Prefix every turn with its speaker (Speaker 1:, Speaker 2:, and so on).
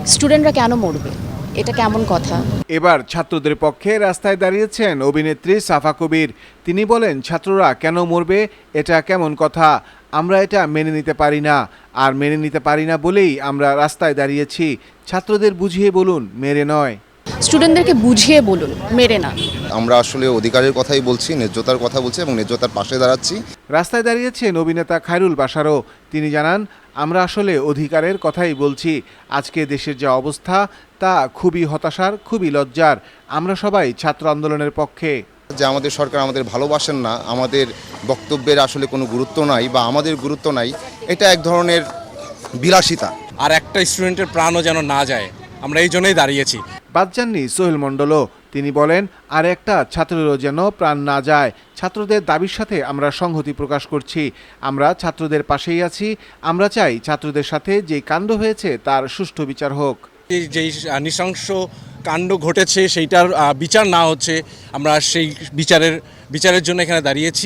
Speaker 1: স্টুডেন্টরা কেন মরবে? এটা কেমন কথা?
Speaker 2: এবার ছাত্রদের পক্ষে রাস্তায় দাঁড়িয়েছেন অভিনেত্রী সাফা কবির। তিনি বলেন, ছাত্ররা কেন মরবে এটা কেমন কথা, আমরা এটা মেনে নিতে পারি না। আর মেনে নিতে পারি না বলেই আমরা রাস্তায় দাঁড়িয়েছি। ছাত্রদের বুঝিয়ে বলুন, মেরে নয়।
Speaker 1: স্টুডেন্টদেরকে বুঝিয়ে বলুন, মেরে না।
Speaker 3: আমরা আসলে অধিকারের কথাই বলছি, ন্যায্যতার কথা বলছি এবং ন্যায্যতার পাশে দাঁড়াচ্ছি।
Speaker 2: রাস্তায় দাঁড়িয়েছেন অভিনেতা খায়রুল বাশারও। তিনি জানান, আমরা আসলে অধিকারের কথাই বলছি। আজকে দেশের যে অবস্থা তা খুবই হতাশার, খুবই লজ্জার। আমরা সবাই ছাত্র আন্দোলনের পক্ষে।
Speaker 3: যে আমাদের সরকার আমাদের ভালোবাসেন না, আমাদের বক্তব্যের আসলে কোনো গুরুত্ব নাই বা আমাদের গুরুত্ব নাই, এটা এক ধরনের বিলাসিতা।
Speaker 4: আর একটা স্টুডেন্টের প্রাণও যেন না যায়, আমরা এই জন্যই দাঁড়িয়েছি।
Speaker 2: বাদ যাননি সোহেল মণ্ডলও। তিনি বলেন, আর একটা ছাত্রেরও যেন প্রাণ না যায়। ছাত্রদের দাবির সাথে আমরা সংহতি প্রকাশ করছি। আমরা ছাত্রদের পাশেই আছি। আমরা চাই ছাত্রদের সাথে যে কাণ্ড হয়েছে তার সুষ্ঠু বিচার হোক।
Speaker 4: যেই নৃশংস কাণ্ড ঘটেছে সেইটার বিচার না হচ্ছে, আমরা সেই বিচারের জন্য এখানে দাঁড়িয়েছি।